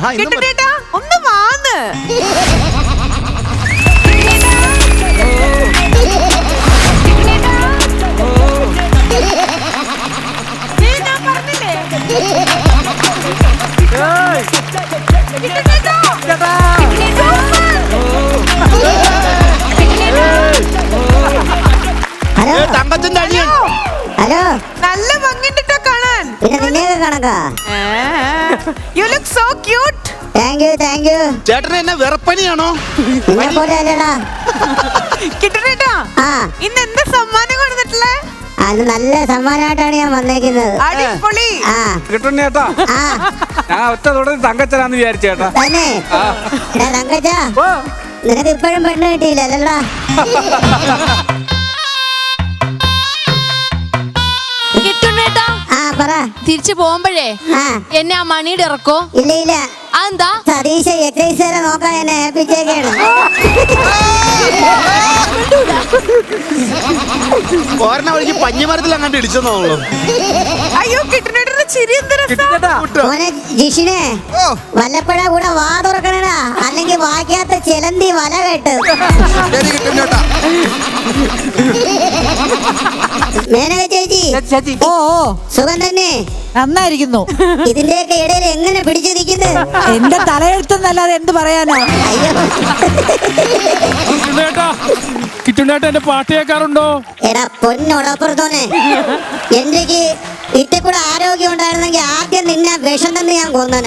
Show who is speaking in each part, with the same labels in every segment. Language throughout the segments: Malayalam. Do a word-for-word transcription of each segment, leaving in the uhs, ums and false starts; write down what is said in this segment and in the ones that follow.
Speaker 1: കിട്ടണേട്ടാ ഒന്ന് വാന്ന്. ഞാൻ പറഞ്ഞില്ലേ
Speaker 2: തങ്കച്ചന്റെ അനിയൻ.
Speaker 3: ഹലോ,
Speaker 1: നല്ല ഭംഗിട്ടോ കാണാൻ.
Speaker 3: പിന്നെ നിന്നെയൊക്കെ കണക്കാ.
Speaker 1: You look so cute.
Speaker 3: Thank you thank you.
Speaker 2: ചേട്ടന് എന്നെ വിറപ്പനിയാണോ?
Speaker 3: നിന്നെ പോലെ അല്ലടാ.
Speaker 1: കിട്ടണേട്ടാ
Speaker 3: ആ,
Speaker 1: ഇന്ന് എന്താ സമ്മാനം കൊടുത്തിട്ടുള്ളേ?
Speaker 3: അത് നല്ല സമ്മാനമായിട്ടാണ് ഞാൻ വന്നേക്കുന്നത്.
Speaker 1: അടിപൊളി.
Speaker 3: ആ
Speaker 4: കിട്ടുണ്ണി ചേട്ടാ,
Speaker 3: ആ
Speaker 4: ഞാൻ ഒറ്റ തുടങ്ങി തങ്കച്ചനാന്ന് വിചാരിച്ചേട്ടാ.
Speaker 3: തന്നെ എടാ തങ്കച്ച, നിനക്ക് ഇപ്പോഴും പെണ്ണ് കിട്ടിയില്ലല്ലോടാ.
Speaker 5: കിട്ടുണ്ണേട്ടാ,
Speaker 3: ആ പറ.
Speaker 5: തിരിച്ചു പോകുമ്പോഴേ
Speaker 3: ആ
Speaker 5: എന്നെ ആ മണിയുടെ ഇറക്കോ?
Speaker 3: ഇല്ല ഇല്ല,
Speaker 5: അതെന്താ?
Speaker 3: സതീശ എക്സൈസുകാരെ നോക്കാൻ എന്നെ ഏൽപ്പിച്ചേക്കാണ്.
Speaker 2: പോരണ വഴിക്ക് പഞ്ഞിമരത്തിൽ അങ്ങോട്ട് ഇടിച്ചെന്നോളൂ.
Speaker 1: അയ്യോ കിട്ടണേട്ടന്റെ ചിരി എന്ത് രസാ.
Speaker 3: മോനെ ജിഷിനെ, വല്ലപ്പഴ കൂടെ വാ തുറക്കണടാ, അല്ലെങ്കിൽ വായിക്കാത്ത ചിലന്തി വല കേട്ട്. മേനക ചേച്ചി,
Speaker 6: ഓ ഓ
Speaker 3: സുഖം തന്നെ?
Speaker 6: നന്നായിരിക്കുന്നു.
Speaker 3: ഇതിന്റെയൊക്കെ ഇടയിൽ എങ്ങനെ പിടിച്ചു നിൽക്കുന്നത്?
Speaker 6: എന്റെ തലയെഴുത്തെന്നല്ലാതെ എന്ത് പറയാനാ.
Speaker 3: അയ്യോ
Speaker 4: കിട്ടുണ്ണേട്ടാ, എന്റെ പാട്ട് കേൾക്കാറുണ്ടോ?
Speaker 3: എടാ പൊന്നോടപ്പുറത്തോനെ, എനിക്ക് ഇത്തെ കൂടെ ആരോഗ്യം ഉണ്ടായിരുന്നെങ്കിൽ ആദ്യം നിന്നെ വിഷം തന്നെ ഞാൻ കൊന്നനെ.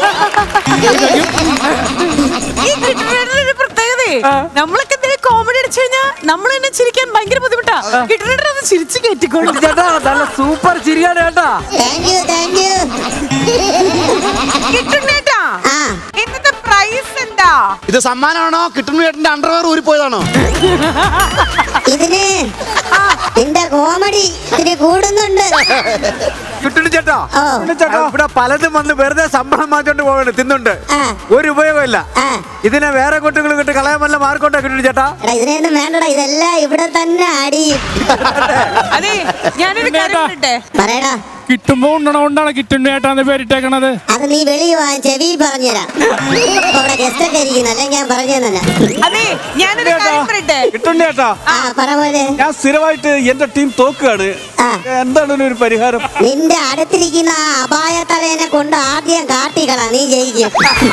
Speaker 1: ഈ കിട്ടണേട്ടന്റെ ഒരു പ്രത്യേകതയെ നമ്മളൊക്കെ എന്തെങ്കിലും കോമഡി അടിച്ചു കഴിഞ്ഞാൽ നമ്മൾ തന്നെ ചിരിക്കാൻ ഭയങ്കര ബുദ്ധിമുട്ടാ. കിട്ടണേട്ടൻ അത് ചിരിച്ചു കയറ്റിക്കോളൂ.
Speaker 4: ചേട്ടാ, നല്ല സൂപ്പർ ചിരിയാണ് ചേട്ടാ.
Speaker 3: Thank you thank you.
Speaker 1: കിട്ടണേട്ടാ,
Speaker 3: ആ
Speaker 1: ഇന്നത്തെ പ്രൈസ് എന്താ?
Speaker 2: ഇത് സമ്മാനമാണോ? കിട്ടുന്ന ചേട്ടന്റെ അണ്ടർവെയർ ഊരിപ്പോയതാണോ?
Speaker 3: ഇതിന് നിന്റെ കോമഡി ഇതിന് കൂടുന്നുണ്ട്.
Speaker 4: കിട്ടുണ്ണി ചേട്ടാ,
Speaker 3: ഓ.
Speaker 4: ചേട്ടാ, ഇവിടെ പലതും വന്ന് വെറുതെ ശമ്പളം മാറ്റോണ്ട് പോകണ്ട തിന്നുണ്ട്.
Speaker 3: ആ
Speaker 4: ഒരു ഉപയോഗമില്ല.
Speaker 3: ആ
Speaker 4: ഇതിനെ വേറെ കുട്ടികൾ കിട്ടി കളയാൻ വല്ല മാർക്കോട്ടാ കിട്ടുണ്ണി ചേട്ടാ.
Speaker 3: എടാ ഇതിനെയൊന്നും വേണ്ടടാ, ഇതെല്ലാം ഇവിടെ തന്നെ അടിയും.
Speaker 1: അതെ, ഞാനൊരു കാര്യം പറയട്ടെ.
Speaker 3: പറയടാ.
Speaker 4: കിട്ടുമ്പോ ഉണ്ടണ കൊണ്ടാണ് കിട്ടുണ്ണി ചേട്ടാന്ന് പേരിട്ടേക്കണത്.
Speaker 3: അത് നീ വെളിയിൽ വാ, ചെവി പറഞ്ഞുതരാം. അവിടെ ഗസ്റ്റ് ഒക്കെ ഇരിക്കുന്നു, അല്ലെങ്കിൽ ഞാൻ പറഞ്ഞു തന്നെ.
Speaker 1: അതെ, ഞാനൊരു കാര്യം പറയട്ടെ.
Speaker 4: കിട്ടുണ്ണി ചേട്ടാ,
Speaker 3: ആ പറ പോലെ.
Speaker 4: ഞാൻ സ്ഥിരമായിട്ട് എന്റെ ടീം തോക്കുകയാണ്.
Speaker 3: ആ. എന്താണ്
Speaker 4: ഒരു പരിഹാരം?
Speaker 3: നിന്റെ അടുത്തിരിക്കുന്ന ആ അപായ തലേനെ കൊണ്ട് ആദ്യം കാട്ടിക്കളാ, നീ ജയിക്കും.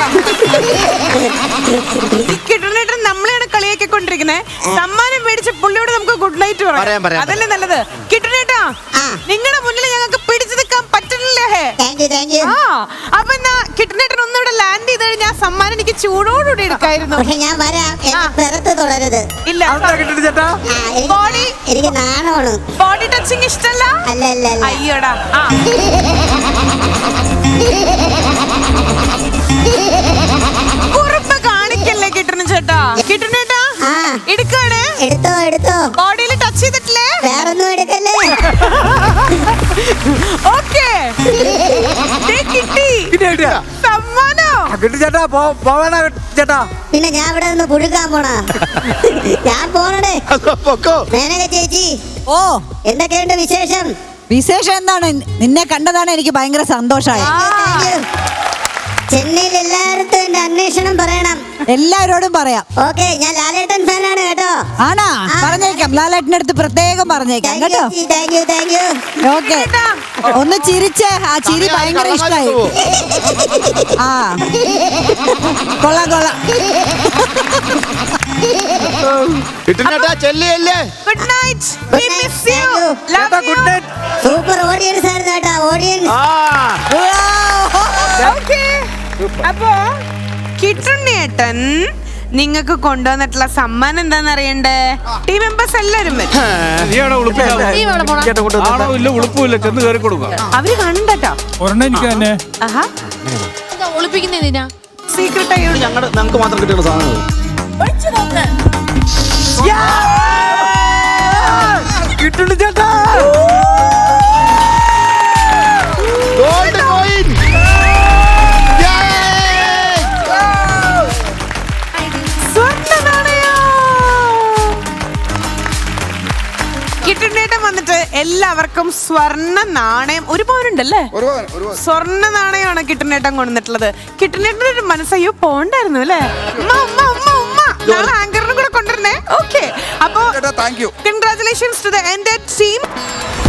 Speaker 1: കിട്ടണേട്ടൻ നമ്മളെയാണ് കളിയാക്കി കൊണ്ടിരിക്കുന്നത്. സമ്മാനം മേടിച്ച പുള്ളിയോട് നമുക്ക് ഗുഡ് നൈറ്റ്
Speaker 2: പറയാം, പറയാം.
Speaker 1: അതല്ലേ നല്ലത്. കിട്ടണേട്ടാ,
Speaker 3: ആ.
Speaker 1: നിങ്ങളുടെ മുന്നിൽ ഞങ്ങൾക്ക് പിടിച്ചു നിൽക്കാൻ പറ്റുന്നില്ലേ?
Speaker 3: Thank you thank you.
Speaker 1: ആ അപ്പൊ എന്നാ കിട്ടണേട്ടൻ ഒന്നിവിടെ ലാൻഡ് ചെയ്ത് കഴിഞ്ഞാൽ സമ്മാനം എനിക്ക് ചൂടോടുകൂടി എടുക്കായിരുന്നു.
Speaker 3: പക്ഷെ ഞാൻ വരാം, എന്നെ
Speaker 1: ആ.
Speaker 3: പുറത്ത് തുടരുത്.
Speaker 1: ഇല്ല,
Speaker 4: കിട്ടുണ്ണി ചേട്ടാ,
Speaker 3: ആ, എനിക്ക്
Speaker 1: ബോഡി
Speaker 3: എനിക്ക് നാണമാണ്.
Speaker 1: ബോഡി ടച്ചിങ് ഇഷ്ടല്ല.
Speaker 3: അല്ല അല്ല അല്ല.
Speaker 1: അയ്യോടാ. ആ കുറുമ്പ് കാണിക്കല്ലേ കിട്ടണ ചേട്ടാ. കിട്ടണേട്ടാ,
Speaker 3: ആ
Speaker 1: എടുക്കാണ്.
Speaker 3: എടുത്തോ എടുത്തോ.
Speaker 1: ബോഡിയിൽ ടച്ച് ചെയ്തിട്ടില്ലേ?
Speaker 3: വേറൊന്നും എടുക്കല്ലേ.
Speaker 1: ഓക്കേ, കിട്ടി സമ്മാനോ.
Speaker 4: കിട്ടുണ്ണി ചേട്ടാ, പോവാനാ ചേട്ടാ.
Speaker 3: പിന്നെ ഞാൻ ഇവിടെ നിന്ന് പുഴുക്കാൻ പോണ. ഞാൻ പോണടേ. മേനക ചേച്ചി,
Speaker 6: ഓ
Speaker 3: എന്തൊക്കെയുണ്ട് വിശേഷം?
Speaker 6: വിശേഷം എന്താണ്? നിന്നെ കണ്ടതാണ് എനിക്ക് ഭയങ്കര സന്തോഷമായി.
Speaker 3: Thank you. ചെന്നൈയിൽ എല്ലായിടത്തും എന്റെ അന്വേഷണം പറയണം.
Speaker 6: എല്ലാവരോടും പറയാം.
Speaker 3: ഓക്കെ, ഞാൻ ലാലേട്ടൻ ഫാനാണ് കേട്ടോ.
Speaker 6: ആണാ? പറഞ്ഞേക്കാം, ലാലേട്ടൻ്റെ അടുത്ത് പ്രത്യേകം പറഞ്ഞേക്കാം കേട്ടോ.
Speaker 3: Thank you thank you.
Speaker 6: Okay, ഒന്ന് ചിരിച്ചേ. ആ ചിരി ഭയങ്കര ഇഷ്ടായി. ആ കൊള്ളാം കൊള്ളാം.
Speaker 2: കിട്ടുന്നേട്ടാ ചെല്ലിയല്ലേ.
Speaker 1: Good night. We miss you. Love you.
Speaker 4: Good night.
Speaker 3: Super audience ആയിരുന്നു കേട്ടോ, ഓഡിയൻസ്.
Speaker 2: ആ
Speaker 1: Okay. അപ്പോ കിട്ടുണ്ണേട്ടൻ നിങ്ങൾക്ക് കൊണ്ടുവന്നിട്ടുള്ള സമ്മാനം എന്താന്ന് അറിയണ്ടേ? ടീം മെമ്പേഴ്സ് എല്ലാരും വരും.
Speaker 4: ആണോ ഇല്ല ഉളുപ്പില്ല, ചെന്ന് കയറി കൊടുക്കുക.
Speaker 1: അവര് കണ്ടോ
Speaker 4: ഒരെണ്ണം എനിക്ക് തന്നെ.
Speaker 1: ആഹാ,
Speaker 5: ഒളിപ്പിക്കുന്നതിനാ
Speaker 1: സീക്രട്ട് ആയി
Speaker 2: ഞങ്ങളുടെ ഞങ്ങൾക്ക് മാത്രം കിട്ടുന്ന സാധനങ്ങൾ.
Speaker 4: കിട്ടുണ്ണി ചേട്ടാ,
Speaker 2: ഗോൾഡ് കോയിൻ.
Speaker 1: കിട്ടുണ്ണേട്ടൻ വന്നിട്ട് എല്ലാ എല്ലാവർക്കും സ്വർണ്ണ നാണയം ഒരു പവനുണ്ടല്ലേ? സ്വർണ്ണ നാണയമാണ് കിട്ടണേട്ടൻ കൊണ്ടുവന്നിട്ടുള്ളത്. കിട്ടണേട്ടൻ്റെ ഒരു മനസ്സയ്യോ പോണ്ടായിരുന്നു അല്ലേ? ഉമ്മ ഉമ്മ ഉമ്മ ഉമ്മ നാളെ ആങ്കറിനും കൂടെ കൊണ്ടുവരണേ. ഓക്കെ, അപ്പോ congratulations to the entire team.